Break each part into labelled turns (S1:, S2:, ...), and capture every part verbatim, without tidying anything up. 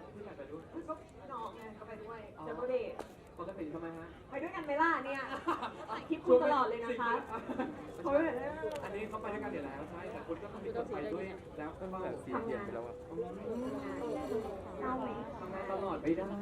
S1: ผู้ชายไปด้วย
S2: ก็น้องไงก็ไปด้วยเจอโปรเดท
S1: ปกติทำไมฮะ
S2: ไปด้วยกันไหมล่ะเนี่ยคลิปคุณตลอดเลยนะคะเขาแบบ
S1: อันนี้เขาไปด้วยกันอยู่แล้วใช่แต่คุณก็ต้องมีคนไปด้วยแล้วก็ต้อง
S3: สีเปลี่ยนไปแล้วอ่ะ
S2: เล่าไหม
S1: ทำงานตลอดไม่ได้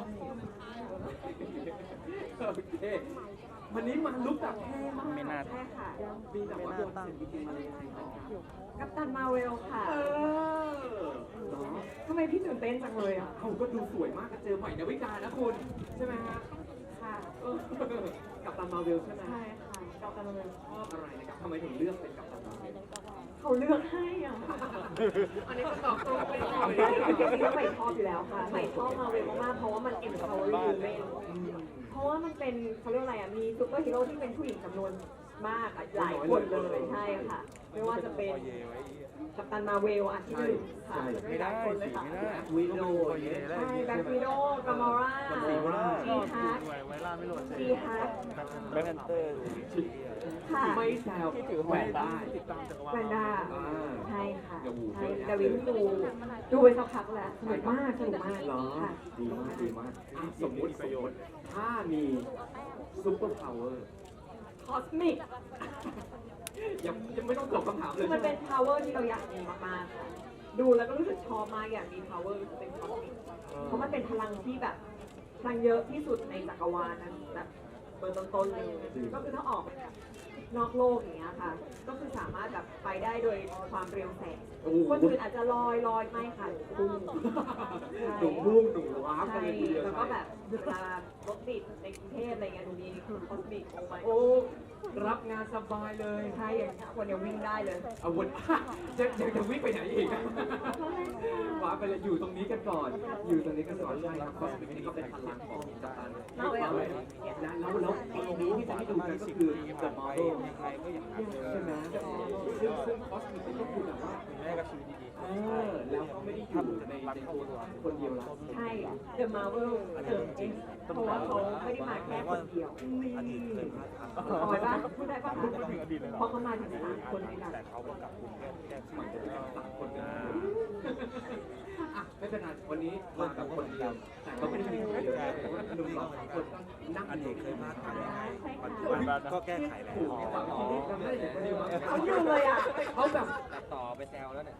S1: โอเควันนี้มาลุกแบบเท่มาก
S3: ไม่น่า
S2: ใช่ค่ะ
S1: มีแต่ว่าโดนเสียงจริงๆมาเลยครับ
S2: กัปตันมาเวลค่ะ
S1: เออเนาะ
S2: ทำไมพี่ตื่นเต้นจังเลยอ่ะ
S1: เขาก็ดูสวยมากเจอใหม่ดาวิกานะคุณใช่ไหมฮะ
S2: ค่ะ
S1: เออกับตันมาเวลใช่ไหม
S2: ใช่ค่ะกัปตันมาเวล
S1: ชอบอะไรนะครับทำไมถึงเลือกเป็นกับตันมาเวล
S2: เขาเลือกให้อ่ะ
S1: อันนี้ก็ตอบตรงไปหน่อย
S2: ใช่ใหม่ชอบอยู่แล้วค่ะใหม่ชอบมาเวลมากๆเพราะว่ามัน empowering women เพราะว่ามันเป็นเขาเรียกอะไรอ่ะ มีซูเปอร์ฮีโร่ที่เป็นผู้หญิงจำนวนมากอ่ะหลายคนเลยใช่ค่ะ ไม่ว่าจะเป็นกัปตันมาเวลอ่ะที่หนึ่งค่ะ
S3: ไม่ได้
S2: คนเลย
S3: สี
S2: ค่ะ
S3: ไม่ได้
S1: วิโด
S2: ใช่แบ็ควิโดกามอร่า
S3: สีไม่ได้
S2: จีฮาร์ด
S3: ไวล่าไม่โหลด
S2: จีฮาร์ด
S3: แบ็คแพนเตอร์
S2: ค่ะ
S1: ไม่แซวแหวนได้
S2: แวนด้า
S1: อ่า
S2: ใช่ค่ะ
S1: เดี๋ยวหู
S2: ใช่
S1: เยอะแยะ
S2: ดาวินดูดูไปสักพักแล้วสนุกมากสนุกมาก
S1: เหรอ
S2: ค่ะ
S1: ดีมากดีมากอ่ะสมมติประโยชน์ถ้ามีซุปเปอร์พาวเวอร์
S2: คอสมิก
S1: ยังยังไม่ต้องตอบคำถามเล
S2: คื
S1: ย
S2: อมันเป็น power ที่เราอยากมีมากๆค่ะดูแล้วก็รู้สึกชอบมากอยากมี power รู้สึกเป็นคอสมิกเพราะมันเป็นพลังที่แบบพลังเยอะที่สุดในจักรวาลนั้นแบบเบอร์ต้นๆเลยก็คือถ้าออกนอกโลกอย่างเงี้ยค่ะ ก็คือสามารถแบบไปได้โดยความเร็วแสง
S1: โอ้โห
S2: คนอื่นอาจจะลอยลอยไม่ค่ะพุ่ง
S1: หนุ่มพุ่งหนุ่มว้าบ
S2: ใช่
S1: กันเลยทีเดียว
S2: แล้วก็แบบเวลารถติดในกรุงเทพอะไรเงี้ยตรงนี้คือคอสมิกโอ้ไม่
S1: โอ้รับงานสบายเลย
S2: ใช่อย่างเงี้ยคนเดียววิ่งได้เลย
S1: เอาวน จะจะจะวิ่งไปไหนอีกว้าไปเลยอยู่ตรงนี้กันก่อน อยู่ตรงนี้กันก่อนใช่ครับคอสมิกนี่ก็เป็นพลังของกัปตัน
S2: เอาไว้เอาไว้
S1: แล้วแล้วแล้วตรงนี้ที่จะให้ดูกันก็คือ The Marvel
S3: ใครก็อย่างนั้น
S1: ใช่ไหมซึ่งซึ่งคอสมิกก็คือแบบว่า
S3: แม่กับชีวิตดี
S1: เออแล้วก็ไม่ได้อยู่ในในตัวคนเดียวละ
S2: ใช่ The Marvel เติมเองเพราะว่าเขาไม่ได้มาแค่คนเดียว
S3: อดีตเคยพลาดทาง
S2: ปอยป่ะพูดได้ป่ะ
S3: พูดถึงอดีตเลย
S2: เพราะเขามาถึงสามคนด้วยกัน
S3: แต่เขาก็กลับกรุงแก้แก้
S1: เหมือนจะเป็นกับสามคนนะอ่ะไม่เป็นไรวันนี้มากับคนเดียวแต่ก็ไม่ได้มีคนเดียวแต่ว่าหนุ่มหล่อสองคนก็นั่ง
S3: อ
S1: อ
S3: ดี
S1: ยู่
S3: ตเคยพลาดทางยังไง
S2: ใช่
S3: ปัจจุ
S2: ค่ะ
S3: บันก็แก้ไขแล้ว
S1: ถูกอ๋อจำได้อย่างคนเดียว
S2: เขาอยู่เลยอ่ะ
S1: เขาแบบ
S3: ตัดต่อไปแซวแล้วเนี่ย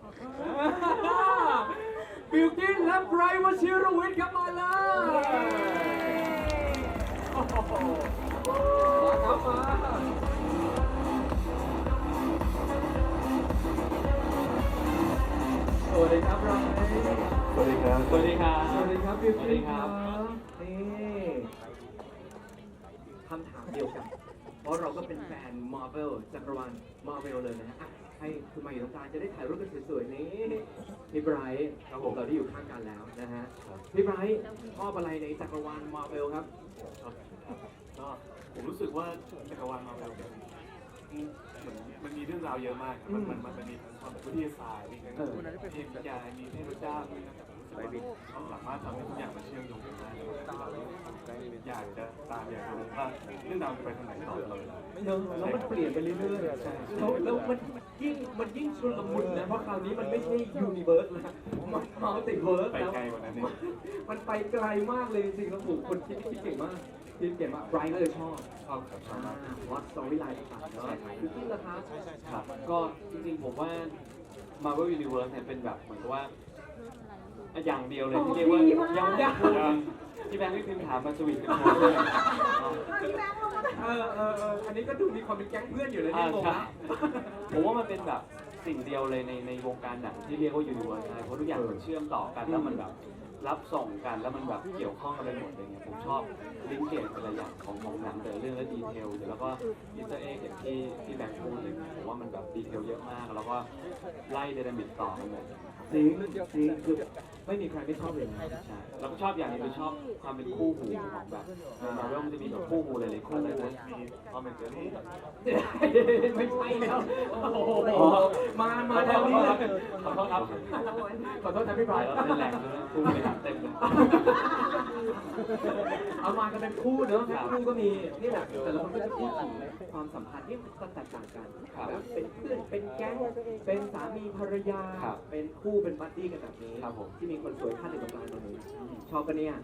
S1: บิวกินและไบรท์วชิรวิทย์ครับมาเลยโอ้โหมาครับมาสวัสดีครับไบรท์
S3: สวัสดีครับ
S1: สวัสดีครับ สวัสดีครับบิวกินครับนี่คำถามเดียวกัน เพราะเราก็เป็นแฟนมาร์เวลจักรวาลมาร์เวลเลยนะฮะอ่ะให้คุณมาอยู่ตรงกลางจะได้ถ่ายรูปกันสวยๆนี้พี่ไบรท์ครับผมเราได้อยู่ข้างกันแล้วนะฮะพี่ไบรท์ชอบอะไรในจักรวาลมาร์เวลครับ
S4: ก็ผมรู้สึกว่าจักรวาลมาแบบเหมือนมันมีเรื่องราวเยอะมากครับมันมันมันมีทั้งความแบบวิทยาศาสตร์มีทั้งเทพนิยายมีเทพเจ้ามีทั้งแบบรู้สึกว่าเขาสามารถทำให้ทุกอย่างมันเชื่อมโยงกันได้แล้วเราอยากจะตามอยากจะรู้ว่าเรื่องราวจะไปทางไหนต่อเลย
S1: เนอะแล้วมันเปลี่ยนไปเรื่อยๆแล้วแล้วมันยิ่งมันยิ่งชุลมุนนะ เพราะคราวนี้มันไม่ใช่ยูนิเวิร์สแล้วมันมัลติเวิร์ส
S4: ไป
S1: แล้ว
S4: ไกลกว่านั้นเอง
S1: มันไปไกลมากเลยจริงๆแล้วผมคนคิดคิดเก่งมากคิดเก่งมากไบรท์ก็เลยชอบ
S4: ชอบครับชอบมาก
S1: วัดสตอรี่ไลน์ต่างๆเนาะคือที่ราคา
S5: ครับ ก็จริงๆผมว่า Marvel Universe เนี่ยเป็นแบบเหมือนกับว่า อย่างเดียวเลยที่เรียกว่ายังยังที่แบงค์พี่พิมพ์ถามมาสวีทกันมาเลย
S1: เออเออเอออันนี้ก็ดูมีความเป็นแก๊งเพื่อนอยู่เลย
S5: อ่า
S1: นี่งง
S5: ใช่
S1: นะ
S5: ผมว่ามันเป็นแบบสิ่งเดียวเลยในในวงการหนังที่เรียกว่า Universe ใช่เพราะทุกอย่างมันเชื่อมต่อกันแล้วมันแบบรับส่งกันแล้วมันแบบเกี่ยวข้องกันไปหมดเลยเนี่ยผมชอบลิงก์เกตแต่ละอย่างของของหนังแต่ละเรื่องและดีเทลแล้วก็อินเตอร์เอ็กอย่างที่ที่แบงค์พูดเลยผมว่ามันแบบดีเทลเยอะมากแล้วก็ไล่ไดนามิกต่อกันเลย
S1: จริงจริงคือไม่มีใครไม่ชอบเลยนะ
S5: ใช่แล้วก็ชอบอย่างหนึงคือชอบความเป็นคู่หูของแบบในมาร์เวลมันจะมีแบบคู่หูหลายๆคู่เลยนะ
S4: มีคอมเมนต์เจอรี่
S1: ไม่ใช่แล้วโอ้โหมามาแถวนี้เลย
S5: ขอโทษครับ
S1: ขอโทษนะพี่ไบร
S5: ถ่าย
S1: ท์
S5: แล้วเป็นแหล่งเลยคู่เลยครับเต็มเลย
S1: เอามากันเป็นคู่เนอะคู่ก็มีนี่แหละแต่ละคนก็จะพูดถึงความสัมพันธ์ที่แตกต่างกันแล้วเป็นเพื่อนเป็นแก๊งเป็นสามีภรรยาเป็นคู่เป็นบัดดี้กันแบบนี้ที่มีคนสวยท่านหนึ่งตรงกลางตรงนี้อบปะเนี่ย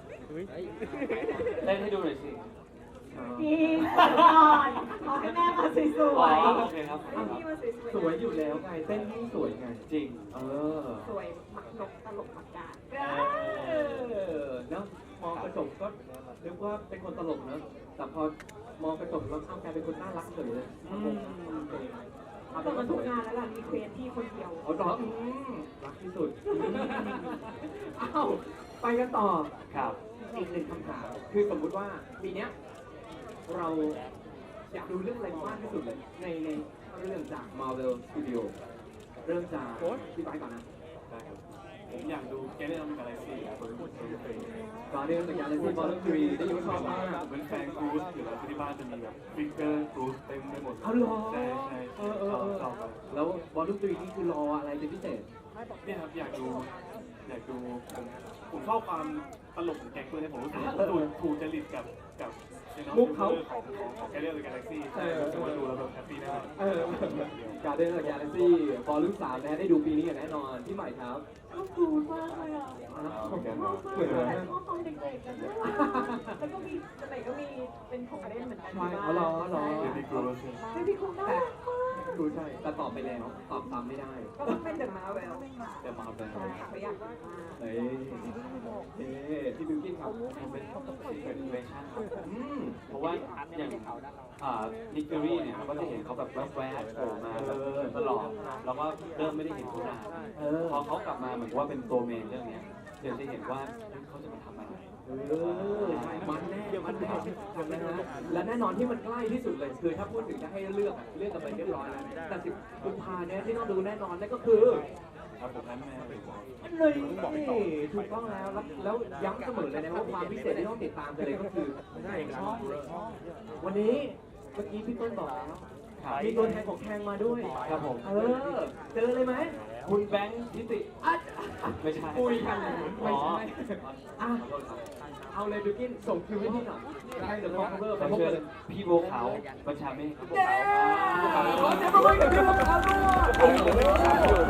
S5: เล่นให้ดูหน่อยสิ
S1: อ๋อ
S2: จริงก่อนขอให้แม่มาส
S5: อ๋
S2: ว
S5: อย โอเคครับ
S2: ๆให้พี่มาสวยๆ
S1: สวยอยู่แล้วไงเต้นยิ่งสวยไง
S5: จริง
S1: เออ
S2: สวยหมักนกตลกหมักกาด
S1: เออเนาะมองกระจกก็นึกว่าเป็นคนตลกเนอะแต่พอมองกระจกแล้วอ้าวกลายเป็นคนน่ารักเฉยเลยอืมเอา
S2: ต
S1: เป็
S2: อน
S1: น
S2: มั
S1: ว่าน สวย
S2: ทุกงานแล้วล่ะมีเควสที่คนเดียว
S1: เอาดอกอืมรักที่สุดอืมอ้าวไปกันต่อ
S5: ครับ
S1: อีกหนึ่งคำถามคือสมมุติว่าปีเนี้ยเราอยากดูเรื่องอะไรมากที่สุดเลยในในเรื่องจาก Marvel Studio เริ่มจากพี่ไปก่อนนะ
S4: ได้ครับผมอยากดูแกเล่นกาแล็กซี่ครับผมเคย
S1: ตอนนี้เป็นอย่างไรที่บอลลูนทรีได้ยินว่าชอบมาก
S4: ผมเป็นแฟนกรูซอยู่แล้วที่บ้านจะมีแบบฟิกเกอร์กรูซเต็มไปหมด
S1: เอาเหรอ
S4: ใช่ใช่
S1: เออเออเออ
S4: ชอบครับ
S1: แล้วบอลลูนทรีนี่คือรออะไรเป็นพิเศษ
S4: เนี่ยครับอยากดูอยากดูผมผมชอบความตลกของแก๊งเพื่อนเนี่ยผมรู้สึกว่าผมถูกถูกจริตกับกับของของของแกเล่นกาแล็กซี่รู้สึกว่าดูแล้วแบบแฮปปี้แน่นอน
S1: เออการเดินกับยาเลซี่บอลลูนสามนะได้ดูปีนี้อย่างแน่นอนพี่ใหม่ครับ
S2: ชอบดูมากเลยอ่ะ
S1: เหมือนกัน
S2: ชอบมาก
S1: เหมือน
S2: เล
S1: กั
S2: ย
S1: น
S2: ชอบตอนเด็กๆกันด้วยแล้วก็มีสมัยก็มีเป็นของเล่นเหมือนกัน
S1: ใช่อ๋อเหรอเหรอ
S4: เดบิกรูซ
S2: ใช่พี่คงน่ารักมาก
S1: ดูใช่แต่ตอบไปแล้วตอบซ้ำไม่ได้
S2: ก็ต้องเป็นเดอะมาเวล
S1: เดี๋ยวมาเอาไป
S2: ใช่ค่ะเขาอยากดูมาก
S1: เฮ้ยเฮ้ยพี่บิวกิ้นครับ
S5: มันเป็นเป็นเวอร์ชันครับ
S1: อืม
S5: เพราะว่าอย่างอ่านิกเกอรี่เนี่ยเราก็จะเห็นเขาแบบแวบๆโผล่มาแบบตลอดแล้วก็เริ่มไม่ได้เห็นเขานาน
S1: เออ
S5: พอเขากลับมาเหมือนว่าเป็นตัวเมนเรื่องเนี้ยเดี๋ยวจะเห็นว่าเขาจะมาทำอะไร
S1: เออใช่มันแน่มันแน่นะฮะและแน่นอนที่มันใกล้ที่สุดเลยคือถ้าพูดถึงจะให้เลือกอะเลือกกันไปเรียบร้อยแล้วแต่สิบกุมภาเนี่ยที่ต้องดูแน่นอนนั่นก็คือ
S4: ครับผมนั้นแม่ผมบอก
S1: เลยถูกต้องแล้วแล้วแล้วย้ำเสมอเลยนะว่าความพิเศษที่ต้องติดตามกันเลยก็คือช่องวันนี้เมื่อกี้พี่ต้นบอกแล้ว
S5: ครับ
S1: มีตัวแทนของแทงมาด้วย
S5: ครับผม
S1: เออเจอเลยไหม
S5: คุณแบงค์ทิติ
S1: อ่ะ
S5: ไม่ใช่
S1: คุยกันไม่
S5: อ๋อ
S1: ใช่อ่ะเอาเลยบิวกินส่งคิวให้พี่หน่อยให้เดอะคอมเวอร์ไป
S5: ขอ
S1: พบ
S5: เชิ
S1: กั
S5: ญ
S1: น
S5: พี่บัวขาวบัญชาเมฆครับบัว
S1: เย้
S5: ขาว
S1: ขอเสียงปรบมือกับพี่บัวขาวด้วย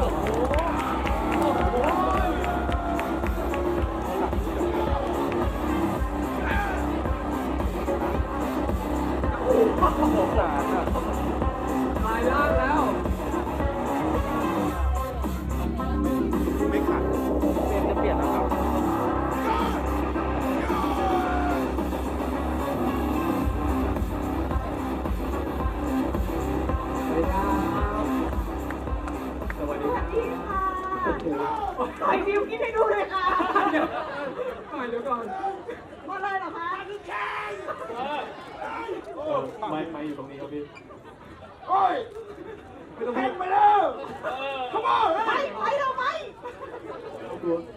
S1: ถ่ายล่างแล้ว
S3: ไม่ขัดเปลี่ยนจะเปลี่ยนแล้วครับ
S1: สวัสดีครับ สวัสดีครับ
S2: สวัสดีค่ะ
S1: โอ้โห
S2: ถ่ายวิวกินให้ดูเลยค่ะ
S1: เดี๋ยวถ่ายเดี๋ยวก่อน
S2: มาเลยเหรอคะ
S4: ไม่ไม่อยู่ตรงนี้ครับพี่
S1: ไม่ต้องพูดไปแล้ว
S2: ไปไปเราไป
S1: กลัว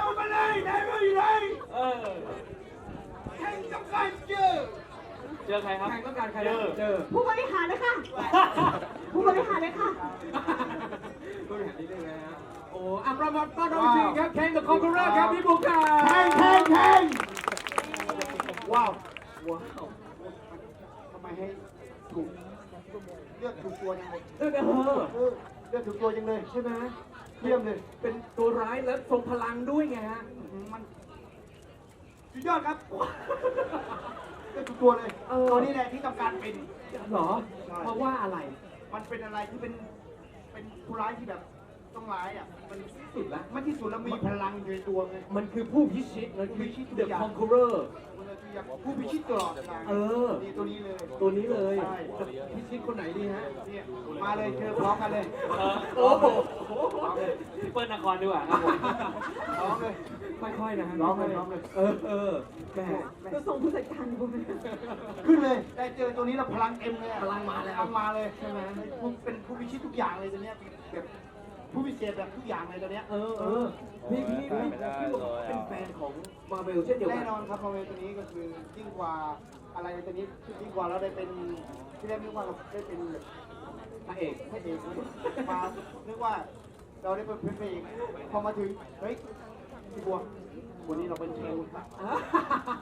S5: เจอใครครับ
S1: ใครต้องการใครนะเจอ
S2: ผู้บริหารเลยค่ะ ผู้บริหารเลยค่ะ
S1: ตัวอย่างนี้ได้ไหมฮะโอ้อ่ะประมาทต้อนรับจริงครับแข่งกับคอมพิวเตอร์ครับพี่บุ๊คค่ะแข่งแข่งแข่งว้าว ว้าว
S6: ทำไมให้ถูกเลือกถูกตัวจังเลย
S1: เออเออ
S6: เออเลือกถูกตัวจังเลย
S1: ใช่ไหม
S6: เยี่ยมเลย
S1: เป็นตัวร้ายและทรงพลังด้วยไงฮะ
S6: มันสุดยอดครับเลือกถูกตัวเลย
S1: เออ
S6: ตัวนี้แหละที่ต้องการเป็น
S1: เหรอ เพราะว่าอะไร
S6: มันเป็นอะไรที่เป็นเป็นผู้ร้ายที่แบบต้องร้ายอ่ะมัน
S1: สุดละ
S6: มันที่สุดแล้วมีพลังอยู่ในตัวไง
S1: มันคือผู้พิชิตมันคือ
S6: พิชิตทุก
S1: The
S6: อย่าง
S1: Conqueror
S6: มันเลยที่อยากผู้พิชิตตลอดเวลา
S1: เออ
S6: นี่ตัวนี้เลย
S1: ตัวนี้เลย
S6: ใช่
S1: จะพิชิตคนไหนดีฮะ
S6: เนี่ยมาเลยเจอพร้อมกันเลย
S5: เออ
S1: โอ้โห
S6: พร้อมเลย
S5: พี่เปิ้ลนครดีกว่าครับผม
S6: พร้อมเลย
S1: ค่อยๆนะฮะ
S6: ร้องเลยร้องเลย
S1: เออเออแหม
S2: จะส่งผู้จัดการดูไหม
S6: ขึ้นเลยได้เจอตัวนี้แล้วพลังเอ็มเลยอะ
S1: พลังมาแล้ว
S6: พลังมาเลยใช่ไหมผู้เป็นผู้พิชิตทุกอย่างเลยตัวเนี้ยแบบผู้พิเศษแบบทุกอย่างเลยตัวเนี้ย
S1: เออเออพี่พี่พี่พี่บอกเป็นแฟนของมาเวลเช่นเดียวกั
S6: แน่
S1: น
S6: นอนครับพอเวตัวนี้ก็คือยิ่งกว่าอะไรตัวนี้ยิ่งกว่าเราได้เป็นที่แรกนึกว่าเราได้เป็นแบบ
S1: พระเอก
S6: พระเอกมานึกว่าเราได้เป็นพระเอกพอมาถึงเฮ้ยพี่บัววันนี้เราเป็นเชล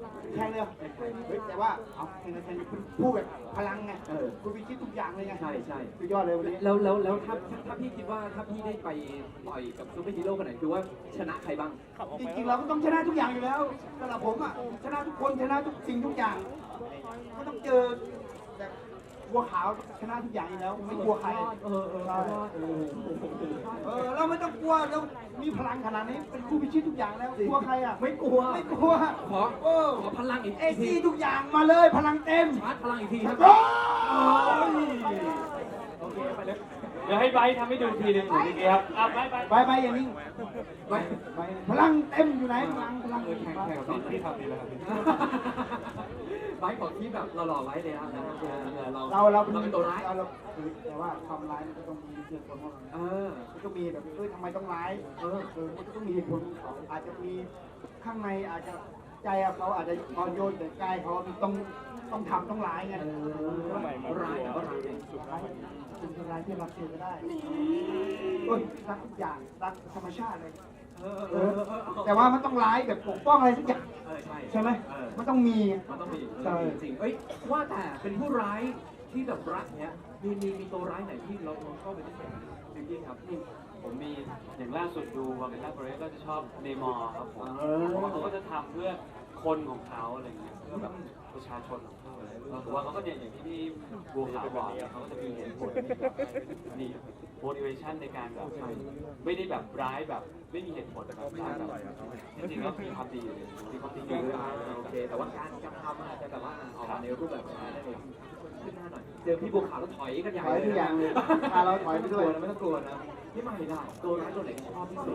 S6: แข่งเลยเฮ้ยแต่ว่าเอาแข่งกันแข่งพูดแบบพลังไง
S1: เออ
S6: คุณวิชิตทุกอย่างเลยไง
S1: ใช่ใช่
S6: สุดยอดเลยวันนี้
S1: แล้วแล้วแล้วถ้าถ้าพี่คิดว่าถ้าพี่ได้ไปต่อยกับซูเปอร์ฮีโร่คนไหนคือว่าชนะใครบ้าง
S6: จริงๆเราก็ต้องชนะทุกอย่างอยู่แล้วสำหรับผมอ่ะชนะทุกคนชนะทุกสิ่งทุกอย่างก็ต้องเจอแบบบัวขาวชนะทุกอย่างอยู่แล้วไม่กลัวใคร
S1: เออเออ
S6: ใช่
S1: เออ
S6: เออเราไม่ต้องกลัวเรามีพลังขนาดนี้เป็นคู่พิชิตทุกอย่างแล้วกลัวใครอ่ะ
S1: ไม่กลัว
S6: ไม่กลัว
S1: ขอ
S6: เออ
S1: ขอพลังอีก
S6: เอซีทุกอย่างมาเลยพลังเต็ม
S1: ชาร์จพลังอีกทีครับ
S6: โอ้ย
S1: โอเคไปเลย
S5: เดี๋ยวให้ไบร์ททำให้ดูทีหนึ่งหนึ่งทีครับอ่ะไบร์ทไบร์ท
S6: ไปไปอย่างนี้
S1: ไป
S6: ไปพลังเต็มอยู่ไหนพลังพลัง
S1: เออแข่งแข่งกับ
S4: พี่
S1: พี่
S4: ทำดีแล้วครับพี่
S1: ไบค์ของที่แบบหล่อๆไว้เลยนะเออเออเรา
S6: เราเรา
S1: เราเป็นตัวร้าย
S6: เราเราแต่ว่าความร้ายมันก็ต้องมีเหตุผลของมัน
S1: เออ
S6: มันก็มีแบบเอ้ยทำไมต้องร้าย
S1: เออ
S6: เออมันก็ต้องมีเหตุผลของเขาอาจจะมีข้างในอาจจะใจอะเขาอาจจะอ่อนโยนแต่กายเขาต้องต้องทำต้องร้ายไง
S1: เออร้ายแต่ว่าร้ายเอง
S6: ร้ายเป็นคนร้ายที่รักเธอก็ได้เอ้ยรักทุกอย่างรักธรรมชาติเลย
S1: เออเอ
S6: เอ
S1: อ
S6: อ
S1: เออเออ
S6: แต่ว่ามันต้องร้ายแบบปกป้องอะไรสักอย่าง
S1: เออใช่
S6: ใช่ไหม
S1: เออ
S6: มันต้องมี
S1: มันต้องมี
S6: ใช่
S1: จริงๆเอ้ยว่าแต่เป็นผู้ร้ายที่แบบรักเนี้ยมีมีมีตัวร้ายไหนที่เราเราชอบเป็นพิเศษไหมจริงๆครับนี่
S5: ผมมีอย่างล่าสุดดูวาเมล่าโปรเรสก็จะชอบเนมอร์ครับผม
S1: เออ
S5: เพราะว่าเขาก็จะทำเพื่อคนของเขาอะไรเงี้ยเพื่อแบบประชาชนของเขาอะไรผมว่าเขาก็เนี่ยอย่างที่พี่บัวขาวบอกเขาก็จะมีเหตุผลมี motivation ในการแบบไม่ได้แบบร้ายแบบไม่มีเหตุผลแต่แบบร้ายแบบจริงๆแล้วมีความดีอยู่เลยมีความดีอยู่ด้วย
S1: โอเค แต่ว่าการการทำอาจจะแบบว่าออกมาในรูปแบบนั้นนั่นเองขึ้นหน้าหน่อย เจอพี่บัวขาวแล้วถอยกันใหญ่
S6: ถอยทุกอย่างเลยพาเราถอยไปด้วย
S1: ไม่ต้องกลัวนะพี่ใหม่ล่ะตัวร้ายตัวไหนชอบที่สุด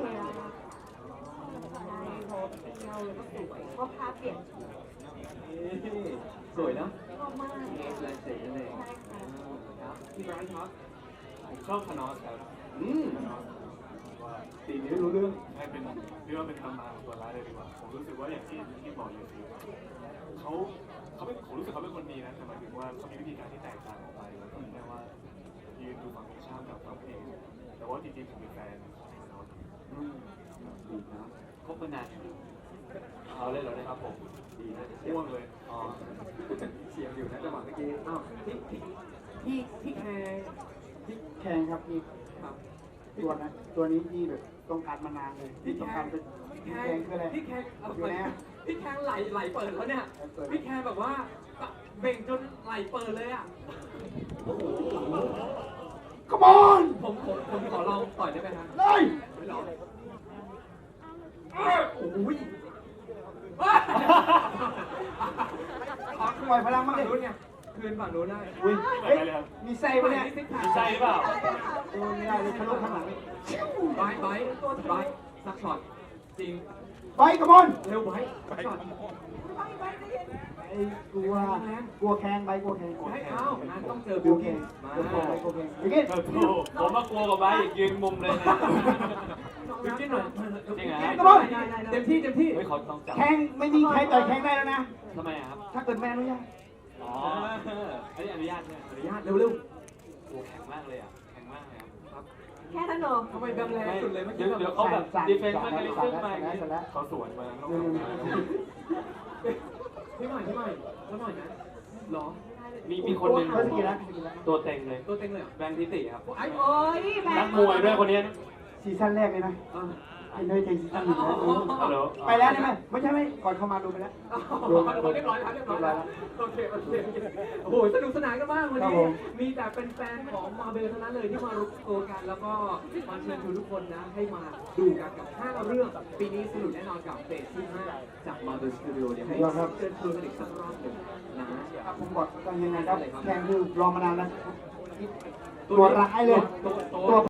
S2: โพสเที่ยวแล้วก็สวยชอบภาพเปลี่ยนชุด
S1: สวยนะ
S2: ชอบมาก
S1: เอสแลนเซ็ตนั่นเองครับพี่ไบรท์ครับ
S4: ผมชอบคานอสครับ
S1: อืม
S4: คานอสว่า
S1: ตีนี้ไม่รู้เรื่อง
S4: ให้เป็นเรียกว่าเป็นตำนานของตัวร้ายเลยดีกว่า ผมรู้สึกว่าอย่างที่ที่บอกอยู่คือเขาเขาเป็นผมรู้สึกเขาเป็นคนดีนะแต่หมายถึงว่าเขามีวิธีการที่แตกต่างออกไปแล้วก็แค่ว่ายืนดูฝั่งตรงข้ามกับเราเองแต่ว่าจริงๆผมเป็นแฟนของคานอส
S1: อืมดีนะ
S5: คบมานานเอาเลยเหรอเนี่ยครับผม
S1: ดีนะ
S4: ม่วงเลย
S5: อ๋อ
S1: เสียงอยู่นะจังหวะเมื่อกี้อ้าวพี่พี่พี่พี่แคร์พี่
S6: แข่งครับนี่
S1: ครับ
S6: ตัวนะตัวนี้ที่แบบต้องการมานานเลย
S1: พี่
S6: ต้อง
S1: แค
S6: การ
S1: ร์
S6: เป็น
S1: พี่
S6: แข่
S1: แคร์
S6: งคืออะไร
S1: พี่แคร์เอา
S6: อยู่
S1: ไป
S6: นะ
S1: พี่แคร์ไหลไหลเปิดแล้วเนี่ย พี่แคร์แบบว่าเบ่งจนไหลเปิดเลยอ่ะ
S6: ขมอน
S1: ผมผมผมขอลองต่อยได้ไหมฮะ
S6: เลย
S1: ไม่หรอโอ้ย
S6: ขอปล่อยพลังมาก
S1: ฝั่
S6: เล
S1: งนู้น
S6: ย
S1: ไงคืนฝั่งนู้นได้
S6: อุ้ย
S4: ไป
S6: เฮ้ย
S4: เลยครับ
S6: มีไส้ปะเนี่ย
S5: มีไส้เปล่า
S6: โอ้ไม่ได้เลยทะลุข้างหลังเลย
S1: ไบร์ทไบร์ทตัวไบร์ทสักช็อตจริง
S6: ไปขมอน
S1: เร็วไบร์ทสักช็อต
S6: ไอ้กลัวกลัวแข่งไปกลัวแข่ง
S1: ให้เอ้านะต้องเจอ
S6: บิ
S1: บิ
S6: ว
S1: ว
S6: แข่
S1: กิ้
S6: ง
S1: นมา
S6: กลัวแข่งไปกลัวแข่งอย่างงี้
S5: เออถูกผมมากลัวกับไบร์ทอีกยืนมุมเลยนะ
S1: บิวกิ้นหน่อย
S5: จริงเหรอ
S1: เต็มที่เต็มที่
S5: เฮ้ยเขาต้องจับ
S6: แข่งไม่มีใครต่อยแข่งได้แล้วนะ
S5: ทำไมอะครับ
S6: ถ้าเกิดแม่อนุญาต
S5: อ๋ออันนี้อนุญาตใช่ไหม
S1: อนุญาตเร็วเร็ว
S5: โอ้แข็งมากเลยอ่ะ แข็งมากเลยครับ
S2: แค่นั้นเหรอ
S1: ทำไมแบมแรงสุดเลยเมื่อ
S5: เดี๋
S1: กี้
S5: ยวเดี๋ยว
S1: แบบ
S5: เขาแบบ
S6: สั่น
S5: ดีเฟนซ์
S6: สั่
S5: มาน คาลิซึมมา
S6: สั่น
S5: อย่าง
S6: แล้ว
S5: นี้
S6: สั่นแล้ว
S4: เขาสวนมาแล้ว
S1: พี่ใหม่พี่ใหม่แล้วหน่อยนะหรอ
S5: มีมีคนหนึ่ง
S6: เขาสกิลแล้ว
S5: ตัวเต็งเลย
S1: ตัวเต็งเลยเหรอ
S5: แบงค์ทิติครับ
S1: ไอ้
S2: โอ้ยแบ
S5: นั
S2: บ
S5: กมวยด้วยคนนี้
S6: ซีซั่นแรกเลยนะ
S1: อ่า
S6: เป็นด้วยใจซีซั่นหนึ่งนะ
S5: ฮัลโหล
S6: ไปแล้วใช่ไหมไม่ใช่ไหมก่อนเข้ามาดูไปแล้ว
S1: เรียบร้อยแล้วเรียบร้อยแล้วโอเคโอเคโอ้โหสนุกสนานกันมากวัน
S6: ครับ
S1: นี้
S6: ผม
S1: มีแต่เป็นแฟนของมาเบลเท่านั้นเลยที่มารวมตัวกัน แล้วก็มาเชิญชวนทุกคนนะให้มาดูกันกับห้าเรื่องปีนี้สนุกแน่นอนกับเฟสที่ห้าจากมาเบลสตูดิโอเดี๋ยวให้เชิญชวนกันอีกสักรอบหนึ่งนะ
S6: ครับผมบอกกันยังไงครับแข่งคือรอมานานแล้วตัวร้ายเลย
S1: ตัว
S6: ตัว